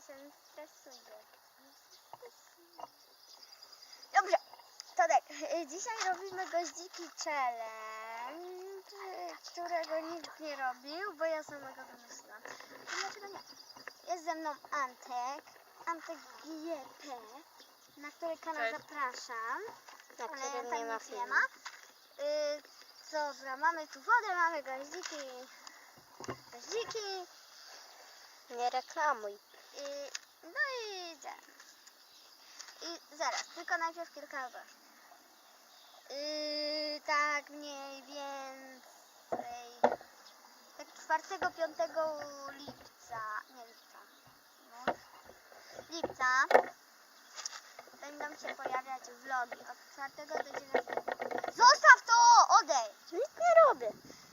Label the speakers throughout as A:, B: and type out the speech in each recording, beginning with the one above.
A: się stresuje. Dobrze, to tak. Dzisiaj robimy goździki challenge, którego nikt nie robił, bo ja samego wymyśliłam. Dlaczego nie? Jest ze mną Antek GP, na który kanał
B: Cześć.
A: zapraszam.
C: Na
A: Ale
C: którym
A: tam
C: nie ma
A: nic
C: filmu.
A: Dobra, mamy tu wodę, mamy goździki.
C: Nie reklamuj.
A: No i idziemy. I zaraz, tylko najpierw kilka ogłoszeń. Tak mniej więcej tak 4-5 lipca, nie lipca, no, lipca będą się pojawiać vlogi od 4 do 9. Zostaw to! Odejdź!
C: Nic nie robię.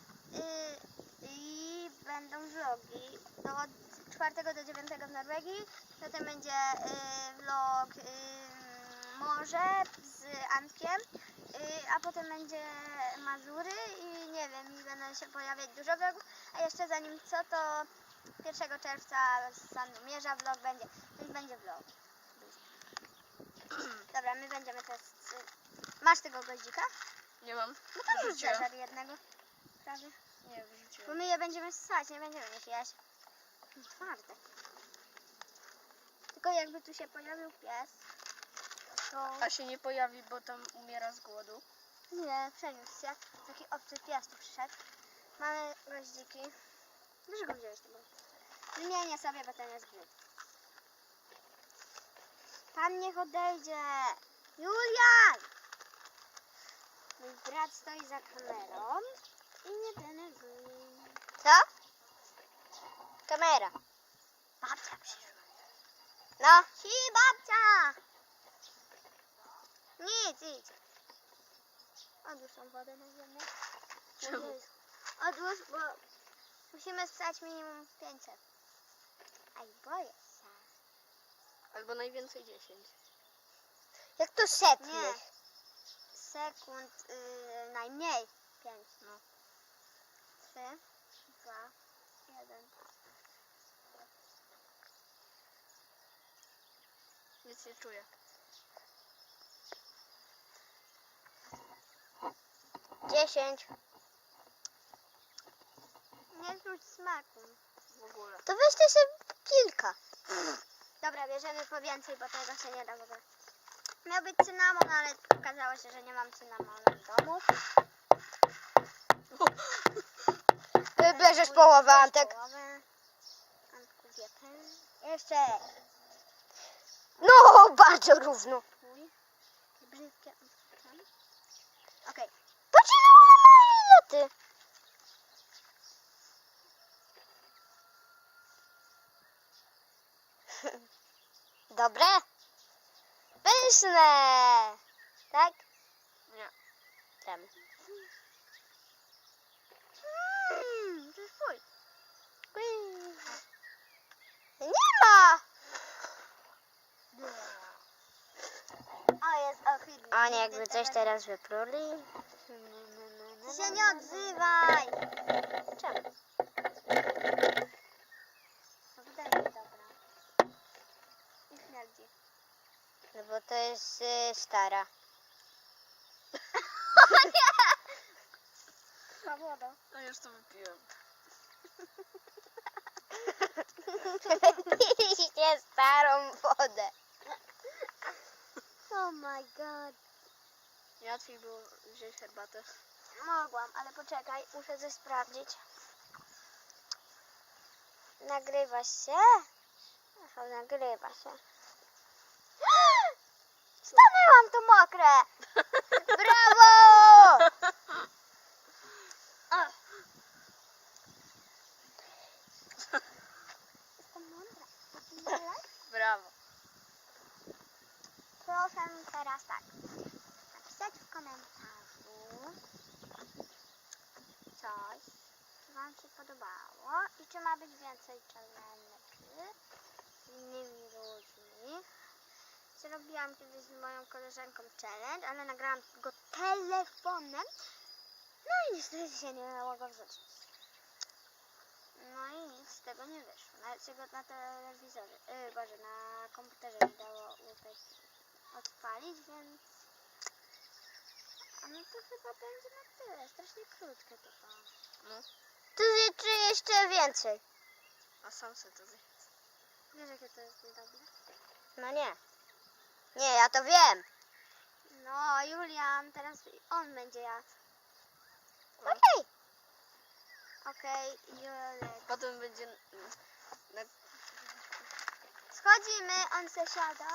A: I będą vlogi od 4 do 9 w Norwegii. Potem będzie vlog morze z Antkiem, a potem będzie Mazury i nie wiem, i będą się pojawiać dużo vlogów. A jeszcze zanim co, to 1 czerwca z Sandomierza vlog będzie, więc będzie vlog. Dobra, my będziemy teraz... Masz tego goździka?
B: Nie mam.
A: No to już
B: Wyrzuciłem.
A: zeżar jednego. Prawie.
B: Nie,
A: Bo
B: wyrzuciłem.
A: my je będziemy ssać, nie będziemy ich jeść. Twarde. Tylko jakby tu się pojawił pies, to...
B: A się nie pojawi, bo tam umiera z głodu.
A: Nie, przeniósł się. Taki obcy pies tu przyszedł. Mamy goździki. Dlaczego wziąłeś tego? Wymienię sobie, bo ten jest brzydki. Pan niech odejdzie. Julian! Mój brat stoi za kamerą i nie denerwuj.
C: Co? Kamera.
A: Babcia przyszła.
C: No.
A: Hi, babcia! Nic, idź. Odłóż tą wodę na ziemię.
B: Czemu?
A: Odłóż, bo musimy ssać minimum 500. Aj, boję się.
B: Albo najwięcej 10.
C: Jak to setnych?
A: Sekund, najmniej 5, no. 3, 2, 1.
B: Nic nie czuję.
C: 10.
A: Nie czuć smaku.
B: W ogóle.
C: To weźcie sobie kilka.
A: Dobra, bierzemy po więcej, bo tego się nie da w ogóle. Miał być cynamon, ale okazało się, że nie mam cynamonu w domu.
C: Ty bierzesz połowę,
A: Bierz
C: Antek.
A: połowę. Antku GP. Jeszcze.
C: No, bardzo równo.
A: Twój. Brzydkie odwrócone. Okej.
C: Patrz ile ona ma iloty. Dobre? Pyszne. Tak?
B: Nie.
C: Tam.
A: To jest twój.
C: Nie ma.
A: O, jest ohydny.
C: Oni
A: Nigdy
C: jakby coś
A: tego
C: teraz wypruli.
A: Ty się nie odzywaj.
C: Czemu?
A: No wydaje mi dobra. I śmierdzi.
C: No bo to jest stara.
A: Ma wodę.
B: No już to wypiłem.
C: Piliście starą wodę.
A: Oh my god.
B: Łatwiej było wziąć herbatę.
A: Mogłam, ale poczekaj, muszę coś sprawdzić.
C: Nagrywa się? Aha, nagrywa się.
A: Stanęłam to mokre.
C: Brawo!
A: Jestem mądra. Widziałeś?
B: Brawo.
A: Proszę teraz tak. Napisać w komentarzu coś, co wam się podobało i czy ma być więcej challenge z innymi ludźmi. Zrobiłam kiedyś z moją koleżanką challenge, ale nagrałam go telefonem. No i niestety się nie dało go wrzucić. No i nic. nic z tego nie wyszło. Nawet się go na telewizorze, Boże, na komputerze nie dało odpalić, więc... A no to chyba będzie na tyle. Strasznie krótkie to było.
B: No,
C: Tu czy jeszcze więcej?
B: a sam sobie to zje.
A: Wiesz, jakie to jest niedobre?
C: No nie. Nie, ja to wiem.
A: No, Julian, teraz on będzie jadł.
C: Okej.
A: Okej, Julek.
B: Potem będzie... Na...
A: Schodzimy, on se siada.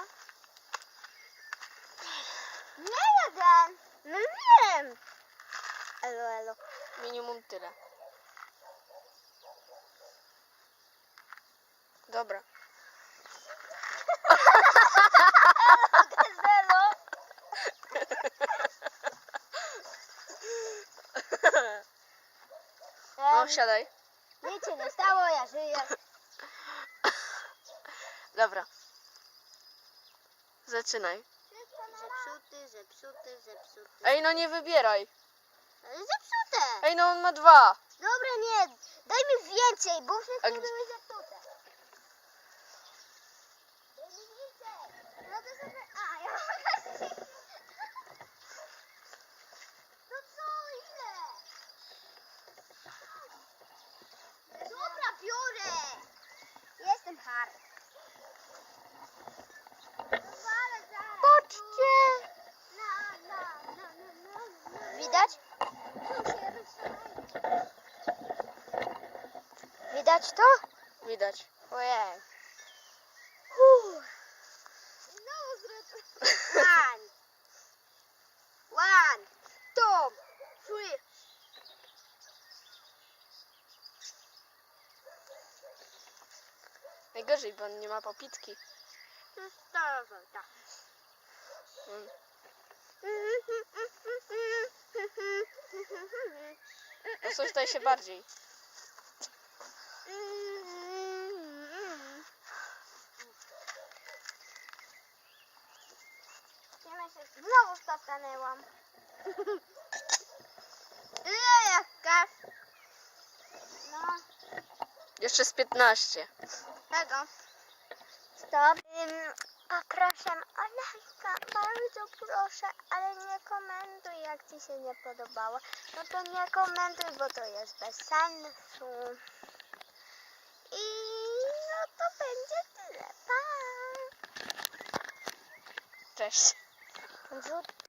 A: Nie jeden!
C: No wiem. Elo, elo.
B: Minimum tyle. Dobra.
C: Elo.
B: No, siadaj.
C: Nic się nie stało, ja żyję.
B: Dobra. Zaczynaj.
A: Zepsuty.
B: Ej, no nie wybieraj.
A: Ale zepsute!
B: Ej, no on ma 2.
C: Dobra, nie. Daj mi więcej, bo
B: A
C: wszystkie
B: gdzie-
C: były zepsute.
A: Daj mi więcej! No to sobie... A, ja No co, ile? Dobra, biorę! Jestem hard. Zwalę zaraz.
C: Patrzcie. Widać? Widać to?
B: Widać.
C: Ojej.
A: Znowu zrób. One, two, three.
B: Najgorzej, bo on nie ma popitki.
A: Tak.
B: Mm. No coś tutaj się bardziej.
A: Znowu stanęłam. Ile jakaś? No,
B: Jeszcze z 15.
A: tego.
C: Stop. Poproszę o lajka, bardzo proszę, ale nie komentuj, jak ci się nie podobało. No to nie komentuj, bo to jest bez sensu. I no to będzie tyle. Pa!
B: Cześć.
C: Wrzut